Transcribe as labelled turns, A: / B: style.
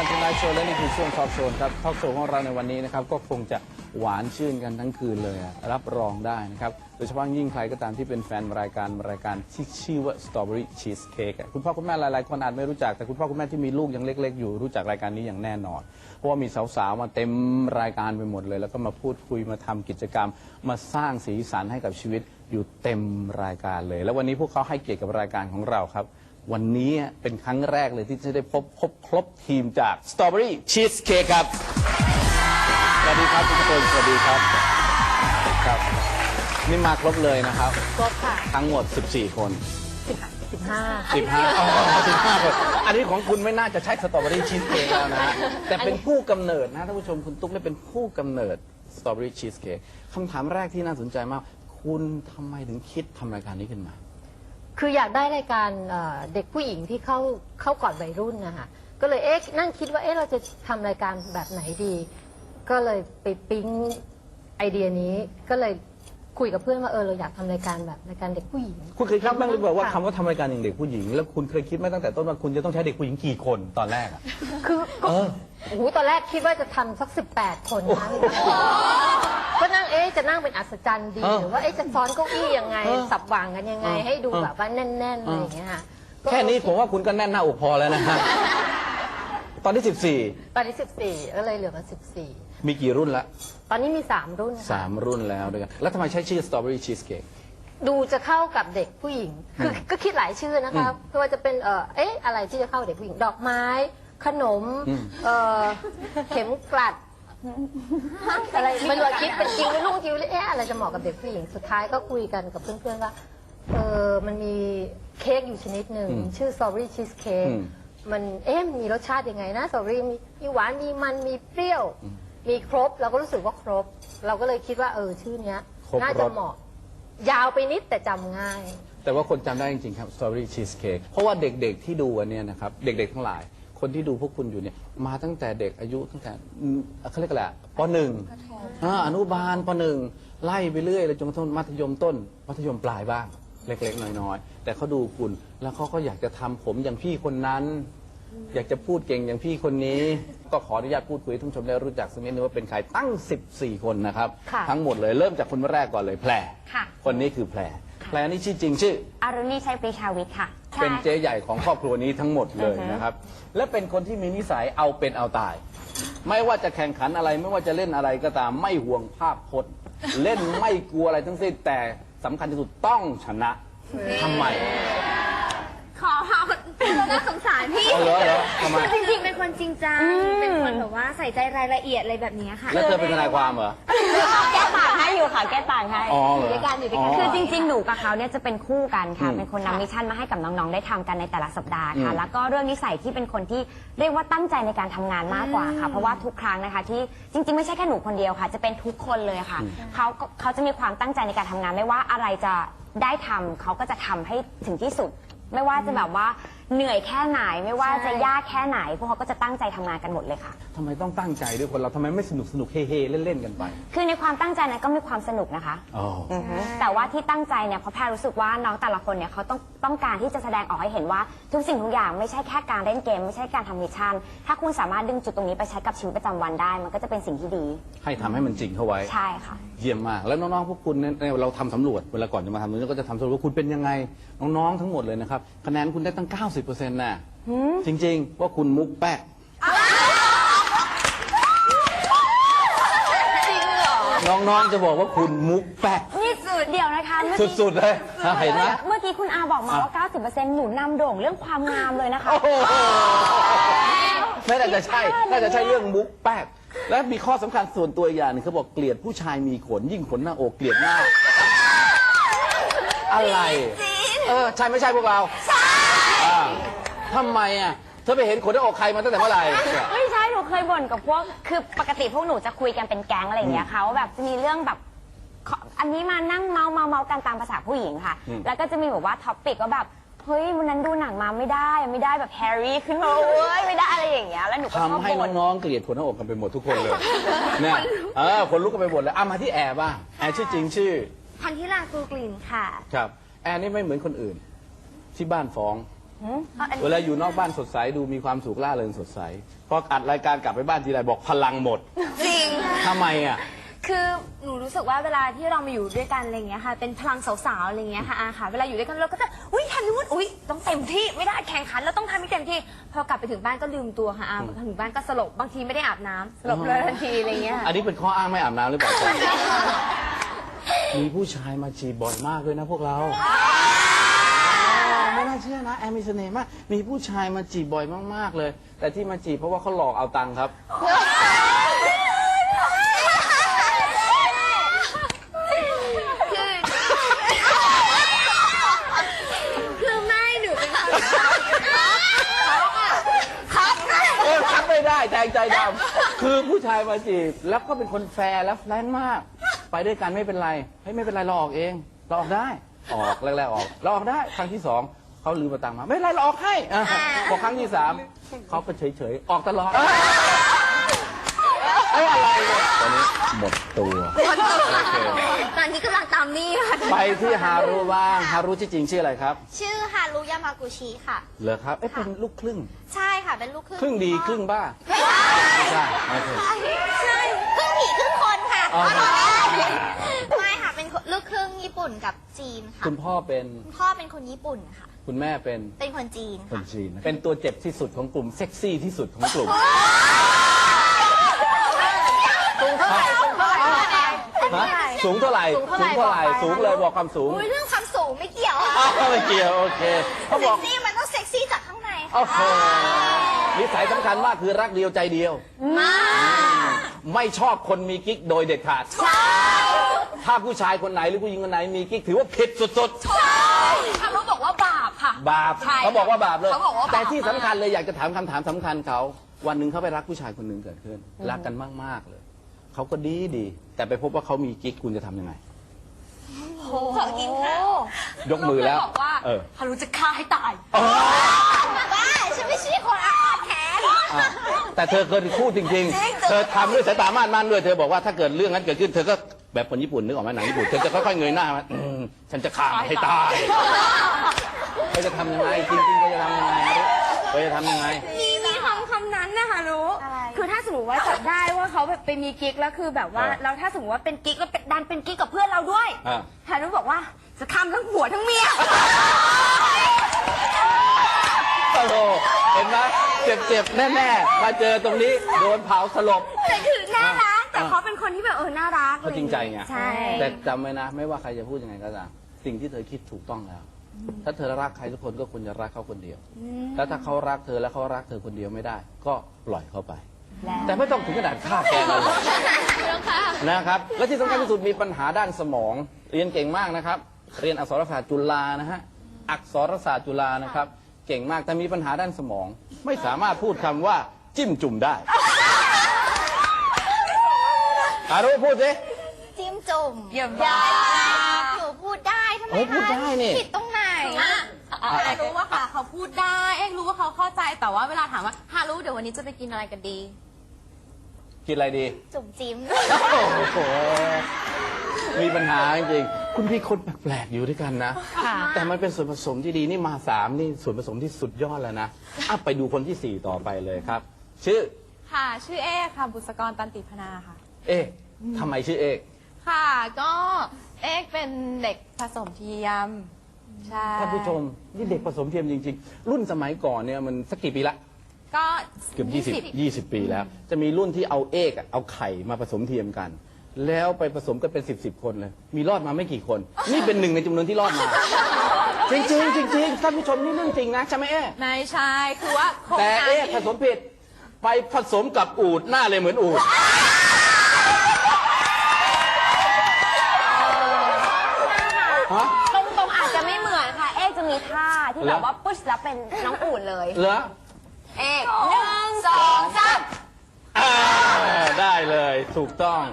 A: การทำนายโชว์และนี่คือช่วงทอล์กโชว์ครับทอล์กโชว์ของเราในวันนี้นะครับก็คงจะหวานชื่นกันทั้งคืนเลยรับรองได้นะครับโดยเฉพาะยิ่งใครก็ตามที่เป็นแฟนรายการที่ชื่อว่า Strawberry Cheesecake คุณพ่อคุณแม่หลายๆคนอาจไม่รู้จักแต่คุณพ่อคุณแม่ที่มีลูกยังเล็กๆอยู่รู้จักรายการนี้อย่างแน่นอนเพราะว่ามีสาวๆมาเต็มรายการไปหมดเลยแล้วก็มาพูดคุยมาทำกิจกรรมมาสร้างสีสันให้กับชีวิตอยู่เต็มรายการเลยแล้ววันนี้พวกเขาให้เกียรติกับรายการของเราครับวันนี้เป็นครั้งแรกเลยที่จะได้พบครบทีมจาก Strawberry Cheesecake ครับสวัสดีครับทุกคนสวัสดีครับครับนี่มาครบเลยนะครับ
B: ครบค่ะ
A: ทั้งหมด14คน
B: 15
A: อ๋อ15คนอันนี้ของคุณไม่น่าจะใช่ Strawberry Cheesecake แล้วนะฮะแต่เป็นผู้กำเนิดนะท่านผู้ชมคุณตุ๊กเนี่ยเป็นผู้กำเนิด Strawberry Cheesecake คำถามแรกที่น่าสนใจมากคุณทำไมถึงคิดทำรายการนี้ขึ้นมา
B: คืออยากได้รายการเด็กผู้หญิงที่เข้าก่อนวัยรุ่นนะคะก็เลยนั่งคิดว่าเราจะทำรายการแบบไหนดีก็เลยไปปิ๊งไอเดียนี้ก็เลยคุยกับเพื่อนว่าเราอยากทำรายการแบบรายการเด็กผู้หญิง
A: คุณเคยคิดบ้างหรือเปล่าว่าคำว่าทำรายการอย่างเด็กผู้หญิงแล้วคุณเคยคิดไหมตั้งแต่ต้นว่าคุณจะต้องใช้เด็กผู้หญิงกี่คนตอนแรกอ่ะ
B: คือโอ้โหตอนแรกคิดว่าจะทำสัก18 คนนะก็นั่งจะนั่งเป็นอัศจรรย์ดีหรือว่าจะซ้อนเก้าอี้ยังไงสับวางกันยังไงให้ดูแบบว่าแน่นๆอะไรอย่างเงี้ยค่ะ
A: แค่นี้ผมว่าคุณก็แน่นหน้าอกพอแล้วนะฮะตอนที่
B: ตอนนี้14ก็เลยเหลือมา14
A: มีกี่รุ่นละ
B: ตอนนี้มี3รุ่น
A: 3รุ่นแล้วด้วยกันแล้วทำไมใช้ชื่อ Strawberry Cheesecake
B: ดูจะเข้ากับเด็กผู้หญิงคือก็คิดหลายชื่อนะคะไม่ว่าจะเป็นอะไรที่จะเข้าเด็กผู้หญิงดอกไม้ขนมเข็มกลัดอะไรไม่รู้คิดเป็นจริงไม่รู้จริงเลยอะไรจะเหมาะกับเด็กผู้หญิงสุดท้ายก็คุยกันกับเพื่อนๆว่ามันมีเค้กอยู่ชนิดหนึ่งชื่อ Strawberry Cheesecake มันมันมีรสชาติยังไงนะสตรอเบอรี่มีหวานมีมันมีเปรี้ยวมีครบเราก็รู้สึกว่าครบเราก็เลยคิดว่าชื่อเนี้ยน่าจะเหมาะยาวไปนิดแต่จำง่าย
A: แต่ว่าคนจำได้จริงๆครับ Strawberry Cheesecake เพราะว่าเด็กๆที่ดูกันเนี่ยนะครับเด็กๆทั้งหลายคนที่ดูพวกคุณอยู่เนี่ยมาตั้งแต่เด็กอายุตั้งแต่เขาเรียกอะไรป .1 อนุบาลป .1 ไล่ไปเรื่อยเลยจนกระทั่งมัธยมต้นมัธยมปลายบ้างเล็กๆน้อยๆแต่เขาดูคุณแล้วเขาก็อยากจะทำผมอย่างพี่คนนั้นอยากจะพูดเก่งอย่างพี่คนนี้ก็ขออนุญาตพูดคุยท่านผู้ชมได้รู้จักสักนิดนึงว่าเป็นใครตั้ง14คนนะครับทั้งหมดเลยเริ่มจากคนแรกก่อนเลยแพรคนนี้คือแพรนี่ชื่อจริงชื่อ
C: อรุณีชัยปรีชาวิทย์ค่ะ
A: เป็นเจ๊ใหญ่ของครอบครัวนี้ทั้งหมดเลยนะครับและเป็นคนที่มีนิสัยเอาเป็นเอาตายไม่ว่าจะแข่งขันอะไรไม่ว่าจะเล่นอะไรก็ตามไม่ห่วงภาพพจน์เล่นไม่กลัวอะไรทั้งสิ้นแต่สำคัญที่สุดต้องชนะทำไม
C: ขอน่าสงสารพี่คือจริงๆเป็นคนจริงจังเป็นคนแบบว่าใส่ใจรายละเอียดอะไรแบบนี้ค่ะ
A: แล้วเธอเป็นทนายความเหรอ
C: แก้ต่างให้อยู่ค่ะแก้ต่างให้
A: อยู่
C: ด้วยกันคือจริงๆหนูกับเขาเนี่ยจะเป็นคู่กันค่ะเป็นคนนำมิชชั่นมาให้กับน้องๆได้ทำกันในแต่ละสัปดาห์ค่ะแล้วก็เรื่องนิสัยที่เป็นคนที่เรียกว่าตั้งใจในการทำงานมากกว่าค่ะเพราะว่าทุกครั้งนะคะที่จริงๆไม่ใช่แค่หนูคนเดียวค่ะจะเป็นทุกคนเลยค่ะเขาจะมีความตั้งใจในการทำงานไม่ว่าอะไรจะได้ทำเขาก็จะทำให้ถึงที่สุดไม่ว่าจะแบบว่าเหนื่อยแค่ไหนไม่ว่าจะยากแค่ไหนพวกเขาก็จะตั้งใจทำงานกันหมดเลยค่ะ
A: ทำไมต้องตั้งใจด้วยคนเราทำไมไม่สนุกเฮ่ๆเล่นๆกันไป
C: คือในความตั้งใจนั้นก็มีความสนุกนะคะแต่ว่าที่ตั้งใจเนี่ยเพราะแพรรู้สึกว่าน้องแต่ละคนเนี่ยเขาต้องการที่จะแสดงออกให้เห็นว่าทุกสิ่งทุกอย่างไม่ใช่แค่การเล่นเกมไม่ใช่การทำมิชชั่นถ้าคุณสามารถดึงจุดตรงนี้ไปใช้กับชีวิตประจำวันได้มันก็จะเป็นสิ่งที่ดี
A: ให้ทำให้มันจริงเข้าไว้
C: ใช่ค่ะ
A: เยี่ยมมากแล้วน้องๆพวกคุณเนี่ยเราทำสำรวจเวลาก่อนจะมาทำเราก็จะทำสำรวจว่าคุณเป็นยังไงน้องๆทั้งหมดเลยนะครับคะแนนคุณได้ตั้ง 90%น่ะจริงๆว่าคุณมุกแป๊กน้องๆจะบอกว่าคุณมุกแป๊ก
C: นี่สุดเดียวนะคะ
A: สุดๆเลยเห็นไหม
C: เมื่อกี้คุณอาบอกมาว่า 90% หนูนำโด่งเรื่องความงามเลยนะคะ
A: ไม่น่าจะใช่น่าจะใช่เรื่องมุกแป๊กและมีข้อสำคัญส่วนตัวอย่างนึงเขาบอกเกลียดผู้ชายมีขนยิ่งขนหน้าอกเกลียดหน้าอะไรใช่ไม่ใช่พวกเราใช่ทำไมเธอไปเห็นขนหน้าอกใครมาตั้งแต่เมื่อไหร่
C: ไม่ใช่หนูเคยบ่นกับพวกคือปกติพวกหนูจะคุยกันเป็นแก๊งอะไรอย่างเงี้ยค่ะว่าแบบจะมีเรื่องแบบอันนี้มานั่งเมากันตามภาษาผู้หญิงค่ะแล้วก็จะมีแบบว่าท็อปปิกว่าแบบเฮ้ยวันนั้นดูหนังมาไม่ได้แบบแฮร์รี่ขึ้นมาเว้ยไม่ได้อะไรอย่างเงี้ยแล้วหนูก็ชอบบ่น
A: ทำให้น้องๆเกลียดขนหน้าอกกันไปหมดทุกคนเลยเนี่ยคนลุกกันไปหมดเลยมาที่แอร์บ้างแอร์ชื่อจริงชื่อ
C: พันธิรากูกลิ่นค่ะ
A: ครับแอร์นี่ไม่เหมือนคนอื่นที่บ้านฟ้องเวลาอยู่นอกบ้านสดใสดูมีความสุขล่าเริงสดใสพออัดรายการกลับไปบ้านทีไรบอกพลังหมด
D: จริง
A: ทำไมอ่ะ
D: คือหนูรู้สึกว่าเวลาที่เรามาอยู่ด้วยกันอะไรเงี้ยค่ะ เป็นพลังสาวๆอะไรเงี้ยค่ะอาค่ะ เวลาอยู่ด้วยกันเราก็จะอุ้ยทำนู่นอุ้ยต้องเต็มที่ไม่ได้แข่งขันแล้วต้องทำให้เต็มที่ พอกลับไปถึงบ้านก็ลืมตัวค่ะอาถึงบ้านก็สลบบางทีไม่ได้อาบน้ำสลบเลยทันทีอะไรเงี้ยค่ะ
A: อันนี้เป็นข้ออ้างไม่อาบน้ำหรือเปล่า มีผู้ชายมาจีบบ่อยมากเลยนะพวกเราไม่น่าเชื่อนะแอมมีเสน่ห์มากมีผู้ชายมาจีบบ่อยมากๆเลย แต่ที่มาจีบเพราะว่าเขาหลอกเอาตังค์ครับ
D: คือไม่หนูเป็นคน
A: ทักไม่ได้แทงใจดำคือผู้ชายมาจีบแล้วก็เป็นคนแฟร์และแฟรงค์มาก ไปด้วยกันไม่เป็นไรเฮ้ยไม่เป็นไรเราออกเองเราออกได้ออกแรกๆออกเราออกได้ครั้งที่สองเขาลืมมาตังค์มาไม่เป็นไรเราออกให้พอครั้งที่สามเขาก็เฉยๆออกตลอดอะไรเนี่ยตอนนี้หมดตัวโอเค
D: ตอนนี้กำลังตามนี่ค่ะ
A: ไปที่ฮารุบ้างฮารุที่จริงชื่ออะไรครับ
E: ชื่อฮารุยามากุชิค่ะ
A: เหรอครับเป็นลูกครึ่ง
E: ใช่ค่ะ เป็นลูกครึ่ง
A: ครึ่งดีครึ่งบ้าไม่ใช่โอเค
E: ใช่ครึ่งผีครึ่งคนค่ะ
A: อ๋อ
E: ไม่ค่ะ เป็นลูกครึ่งญี่ปุ่นกับจีนค่ะ
A: คุณพ่อเป็น
E: คุณพ่อเป็นคนญี่ปุ่นค่ะ
A: คุณแม่เป็น
E: เป็นคนจีน
A: คน
E: ค่ะ
A: จีนเป็นตัวเจ็บที่สุดของกลุ่มเซ็กซี่ที่สุดของกลุ่ม สูงเท่าไหร่สูงเท่าไหร่สูงเลยบอกความสูง
E: อุ้ยเรื่องความสูงไม่เกี่ยวค่ะ
A: อ้าวไม่เกี่ยวโอเคเขาบ
E: เซ็
A: อก
E: กซี่มันต้องเซ็กซี่จากข้างใน
A: โอ้
E: ค่ะ
A: โหนิสัยสำคัญมากคือรักเดียวใจเดียว ไม่ชอบคนมีกิ๊กโดยเด็ดขาดถ้าผู้ชายคนไหนหรือผู้หญิงคนไหนมีกิ๊กถือว่าผิดสุดๆ
D: เขาบอกว่าบาปค่ะ
A: บาป
D: ใช่
A: เขาบอกว่าบาปเลย
D: เขาบอกว่าบาป
A: แต่ที่สำคัญเลยอยากจะถามคำถามสำคัญเขาวันหนึ่งเขาไปรักผู้ชายคนหนึ่งเกิดขึ้น รักกันมากๆเลยเขาก็ดีแต่ไปพบว่าเขามีกิ๊กคุณจะทำยังไง
D: ขอกินค่ะ
A: ยกมือแล้ว
D: บอกว่า
A: เออ
D: ฮารุจะฆ่าให้ตาย
E: บ้าฉันไม่ใช่คนอาฆาตแค้น
A: อ่ะแต่เธอเคยพูดจริงๆ เธอทำด้วยสายตามั่นๆด้วยเธอบอกว่าถ้าเกิดเรื่องนั้นเกิดขึ้นเธอก็แบบคนญี่ปุ่นนึกออกไหมหนังญี่ปุ่นเธอจะค่อยๆเงยหน้ามาฉันจะฆ่าให้ตายเธอจะทำยังไงจริงๆเธอจะทำยังไงเธอจะทำยังไง
D: มีคำนั้นนะคะรู้ คือถ้าสมมติว่าจับได้ว่าเขาแบบไปมีกิ๊กแล้วคือแบบว่า
A: เออ
D: แล้วถ้าสมมติว่าเป็นกิ๊กแล้วดันเป็นกิ๊กกับเพื่อนเราด้วย
A: อ่ะ
D: ฮารุบอกว่าจะทำทั้งผัวทั้งเมีย
A: โอ้โหเห็นไหมเจ็บๆแน่ๆมาเจอตรงนี้โดนเผาสลบ
D: แต่คือน่ารักแต่เขาเป็นคนที่แบบน่ารัก
A: เขาจริงใจไง
D: ใช่
A: แต่จำไว้นะ ไม่ว่าใครจะพูดยังไงก็ตามสิ่งที่เธอคิดถูกต้องแล้ว ถ้าเธอรักใครทุกคนก็ควรจะรักเขาคนเดียว แล้วถ้าเขารักเธอและเขารักเธอคนเดียวไม่ได้ ก็ปล่อยเขาไป แต่ไม่ต้องถึงขนาดฆ่าแกล้งกันหรอกนะครับ และที่สำคัญที่สุดมีปัญหาด้านสมอง เรียนเก่งมากนะครับ เรียนอักษรศาสตร์จุฬานะฮะ อักษรศาสตร์จุฬานะครับ เก่งมากแต่มีปัญหาด้านสมอง ไม่สามารถพูดคำว่าจิ้มจุ่มได้อารุพูดสิ
E: จิ้มจุ่ม
D: เยี่ยม
E: หนูพูดได้ทำไม
A: โอ้พูดได้นี่
E: ผิดตรงไหน
F: รู้ว่าค่ะเขาพูดได้เอ๊ะรู้ว่าเขาเข้าใจแต่ว่าเวลาถามว่าฮารู้เดี๋ยววันนี้จะไปกินอะไรกันดี
A: กินอะไรดี
E: จุ่มจิ้ม
A: โอ้โห มีปัญหาจริงๆ คุณพี่คนแปลกๆอยู่ด้วยกันนะ แต่มันเป็นส่วนผสมที่ดีนี่มา3นี่ส่วนผสมที่สุดยอดแล้วนะอ่ะไปดูคนที่ 4 ต่อไปเลยครับ ชื่อ
F: ค่ะ ชื่อเอกค่ะบุษกรตันติพนาค่ะ
A: เอ๊ะทำไมชื่อเอก
F: ค่ะก็เอกเป็นเด็กผสมเทียมใช่
A: ท่านผู้ชม นี่เด็กผสมเทียมจริง ๆ รุ่นสมัยก่อนเนี่ยมันสักกี่ปีละ
F: ก็
A: เกือบ20 ปีแล้ว จะมีรุ่นที่เอาเอกอะเอาไข่มาผสมเทียมกัน แล้วไปผสมกันเป็น10 คนเลย มีรอดมาไม่กี่คน นี่เป็นหนึ่งในจำนวนที่รอดมา จริงๆจริงๆท่านผู้ชมนี่เรื่องจริงนะใช่ไหมเอ๊ะ
F: ไม่ใช่คือว่าโครง
A: แต่
F: การ
A: เอ๊ะผสมผิดไปผสมกับอูฐหน้าเลยเหมือนอูฐฮะ
C: ตรงๆอาจจะไม่เหมือนค่ะ เอ๊จะมีท่าที่แบบว่าปุ๊ชแล้วเป็นน้องอู่นเลย
A: เหรอ
C: เอก1 2 3
A: ได้เลยถูกต้อง